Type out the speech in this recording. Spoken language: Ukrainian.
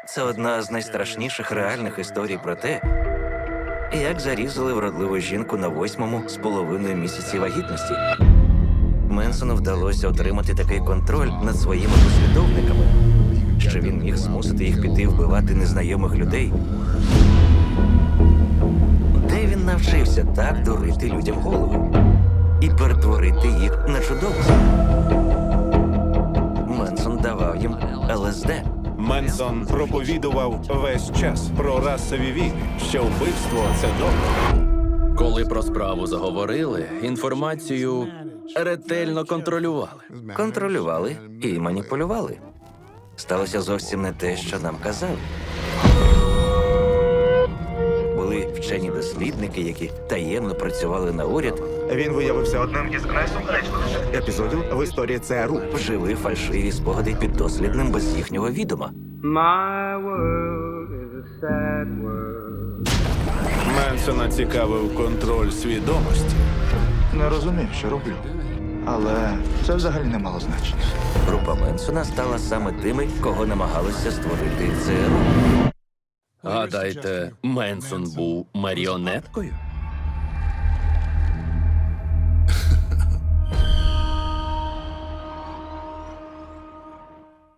Це одна з найстрашніших реальних історій про те, як зарізали вродливу жінку на 8-му з половиною місяці вагітності. Менсону вдалося отримати такий контроль над своїми послідовниками, що він міг змусити їх піти вбивати незнайомих людей. Де він навчився так дурити людям голови і перетворити їх на чудовців? Менсон давав їм ЛСД. Менсон проповідував весь час про расові війни, що вбивство – це добре. Коли про справу заговорили, інформацію ретельно контролювали. Контролювали і маніпулювали. Сталося зовсім не те, що нам казали. Були вчені дослідники, які таємно працювали на уряд, Він виявився одним із найсуперечливіших епізодів в історії ЦРУ. вжили фальшиві спогади піддослідним без їхнього відома. My world is a sad world. Менсона цікавив контроль свідомості. Не розумів, що роблю. Але це взагалі не мало значення. Група Менсона стала саме тими, кого намагалися створити ЦРУ. Гадаєте, Менсон був маріонеткою?